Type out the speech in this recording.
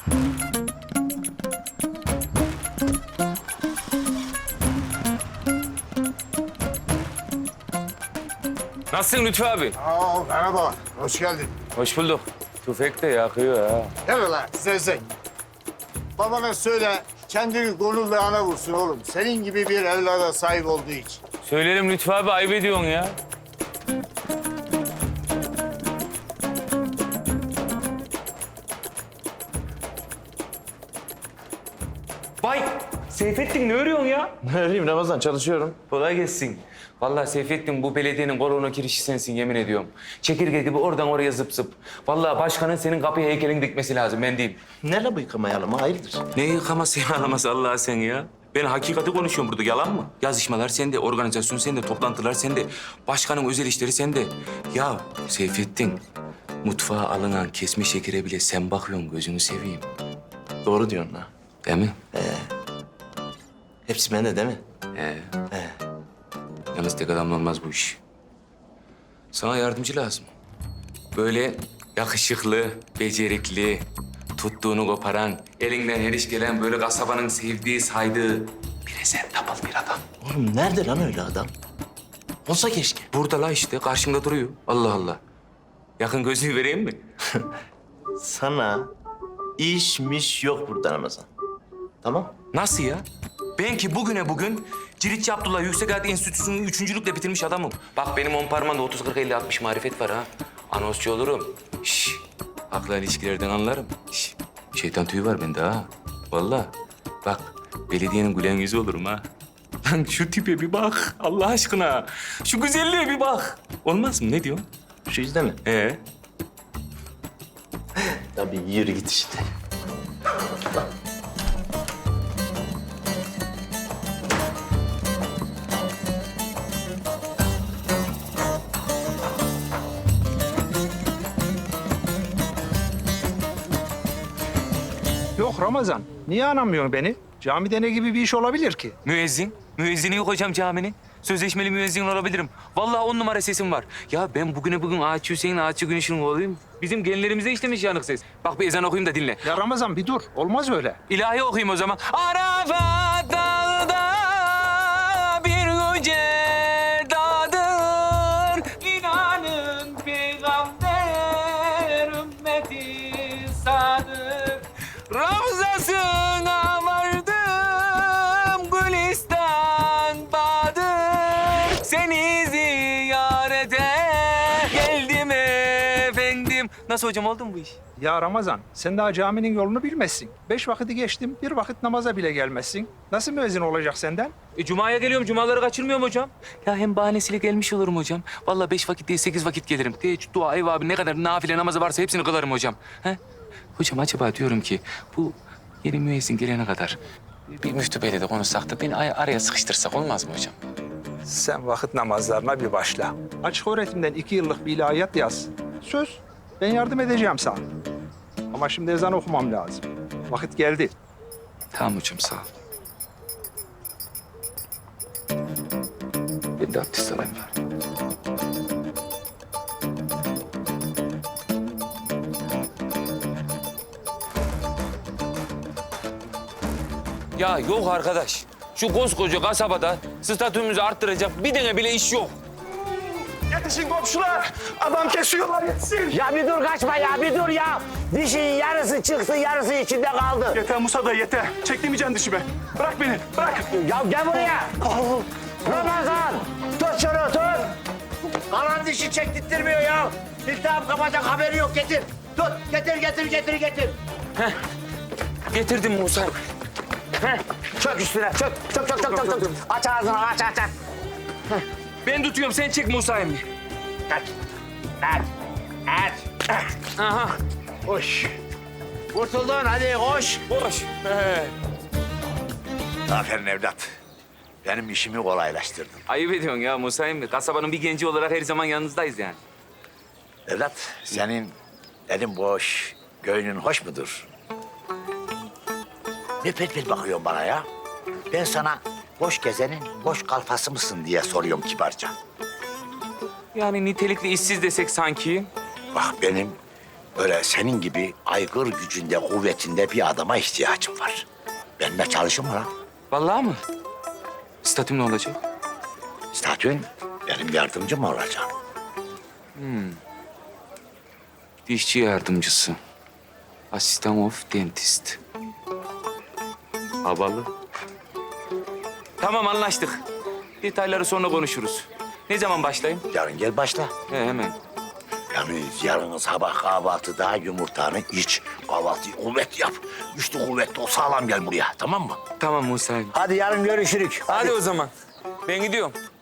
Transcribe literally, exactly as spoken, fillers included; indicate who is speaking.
Speaker 1: Nasılsın Lütfü abi?
Speaker 2: Aa, merhaba, hoş geldin.
Speaker 1: Hoş bulduk. Tüfek de yakıyor ha.
Speaker 2: Gel lan, zevzek. Babana söyle, kendini gururla ana vursun oğlum. Senin gibi bir evlada sahip olduğu için.
Speaker 1: Söylerim Lütfü abi, ayıp ediyorsun ya. Vay! Seyfettin ne örüyorsun ya?
Speaker 3: Ne öreyim Ramazan, çalışıyorum.
Speaker 1: Kolay gelsin. Vallahi Seyfettin bu belediyenin kolona girişi sensin yemin ediyorum. Çekirge gibi oradan oraya zıp zıp. Vallahi başkanın senin kapıya heykelini dikmesi lazım ben diyeyim.
Speaker 3: Ne la bu yıkamayalım, hayırdır?
Speaker 1: Ne yıkaması yağlaması Allah sen ya? Ben hakikati konuşuyorum burada, yalan mı? Yazışmalar sende, organizasyon sende, toplantılar sende. Başkanın özel işleri sende. Ya Seyfettin, mutfağa alınan kesme şekere bile sen bakıyorsun, gözünü seveyim.
Speaker 3: Doğru diyorsun ha.
Speaker 1: Değil mi?
Speaker 3: Hepsi bende değil mi?
Speaker 1: He.
Speaker 3: He.
Speaker 1: Yalnız tek adamla olmaz bu iş. Sana yardımcı lazım. Böyle yakışıklı, becerikli, tuttuğunu koparan, elinden her iş gelen böyle kasabanın sevdiği, saydığı presentable bir adam.
Speaker 3: Oğlum nerede lan öyle adam? Olsa keşke.
Speaker 1: Burada la işte, karşımda duruyor. Allah Allah. Yakın gözlüğü vereyim mi?
Speaker 3: Sana işmiş yok burada Ramazan. Tamam?
Speaker 1: Nasıl ya? Ben ki bugüne bugün Ciritçi Abdullah Yüksek Hayat Enstitüsü'nü üçüncülükle bitirmiş adamım. Bak benim on parmağımda otuz, kırk, elli, altmış marifet var ha. Anonsçu olurum. Şş, akla ilişkilerden anlarım. Şş, şeytan tüyü var bende ha. Vallahi. Bak belediyenin gülen yüzü olurum ha. Lan şu tipe bir bak Allah aşkına. Şu güzelliğe bir bak. Olmaz mı? Ne diyorsun?
Speaker 3: Şu yüzde mi?
Speaker 1: Ee?
Speaker 3: Tabii yürü git işte.
Speaker 4: Yok Ramazan, niye anlamıyorsun beni? Camide ne gibi bir iş olabilir ki?
Speaker 1: Müezzin. Müezzini yok hocam caminin. Sözleşmeli müezzin olabilirim. Vallahi on numara sesim var. Ya ben bugüne bugün Ağaççı Hüseyin, Ağaççı Güneş'in oğluyum. Bizim genlerimize işlemiş yanık ses. Bak bir ezan okuyayım da dinle.
Speaker 4: Ya Ramazan bir dur, olmaz öyle.
Speaker 1: İlahi okuyayım o zaman. Arafat dağda bir yüce dağdır. İnanın peygamber ümmeti sadık. Ravzasına vardım Gülistan Bahadır. Seni ziyarete geldim efendim. Nasıl hocam, oldu mu bu iş?
Speaker 4: Ya Ramazan, sen daha caminin yolunu bilmezsin. Beş vakiti geçtim, bir vakit namaza bile gelmezsin. Nasıl müezzin olacak senden?
Speaker 1: E, Cuma'ya geliyorum, cumaları kaçırmıyorum hocam. Ya hem bahanesiyle gelmiş olurum hocam. Vallahi beş vakit değil, sekiz vakit gelirim. Teheccüd, dua, ev abi ne kadar nafile namazı varsa hepsini kılarım hocam. He? Hocam acaba diyorum ki bu yeni müezzin gelene kadar bir müftü beyle de konuşsak da beni ay- araya sıkıştırsak olmaz mı hocam?
Speaker 4: Sen vakit namazlarına bir başla. Açık öğretimden iki yıllık bir ilahiyat yaz. Söz, ben yardım edeceğim sana. Ama şimdi ezan okumam lazım. Vakit geldi.
Speaker 1: Tamam hocam, sağ ol. Ben de abdest alayım bari. Ya yok arkadaş. Şu koskoca kasabada statümüzü arttıracak bir tane bile iş yok.
Speaker 5: Yetişin komşular. Adam kesiyorlar yetişin.
Speaker 6: Ya bir dur kaçma ya bir dur ya. Dişin yarısı çıktı yarısı içinde kaldı.
Speaker 5: Yeter Musa da yeter. Çektirmeyeceksin dişimi. Bırak beni bırak.
Speaker 6: Ya gel buraya. Ramazan tut şunu tut. Kalan dişi çektirtmiyor ya. İltihap kapacak haberi yok getir. Tut getir getir getir getir.
Speaker 1: Getirdim Musa.
Speaker 6: Heh. Çök üstüne çök çök çök çök çök. çök. Aç ağzını aç aç aç.
Speaker 1: Ben tutuyorum, sen çek Musa'yı.
Speaker 6: Aç. Aç. Aç.
Speaker 1: Aha.
Speaker 6: Koş. Kurtuldun hadi koş.
Speaker 1: Boş. He.
Speaker 7: Aferin evlat. Benim işimi kolaylaştırdın.
Speaker 1: Ayıp ediyorsun ya Musa emmi. Kasabanın bir genci olarak her zaman yanınızdayız yani.
Speaker 7: Evlat, senin elin boş, göğünün hoş mudur? Ne pet pet bakıyorsun bana ya? Ben sana boş gezenin boş kalfası mısın diye soruyorum kibarca.
Speaker 1: Yani nitelikli işsiz desek sanki.
Speaker 7: Bak benim öyle senin gibi aygır gücünde, kuvvetinde bir adama ihtiyacım var. Benimle çalışır mı lan?
Speaker 1: Vallahi mı? Statüm ne olacak?
Speaker 7: Statün benim yardımcım mı olacak?
Speaker 1: Dişçi yardımcısı. Asistan of dentist. Havalı. Tamam anlaştık. Detayları sonra konuşuruz. Ne zaman başlayayım?
Speaker 7: Yarın gel başla.
Speaker 1: He, hemen.
Speaker 7: Yani yarın sabah kahvaltıda yumurtanı iç. Kahvaltıyı kuvvet yap. Güçlü kuvvetli o sağlam gel buraya, tamam mı?
Speaker 1: Tamam Musa'yım.
Speaker 7: Hadi yarın görüşürük.
Speaker 1: Hadi o zaman. Ben gidiyorum.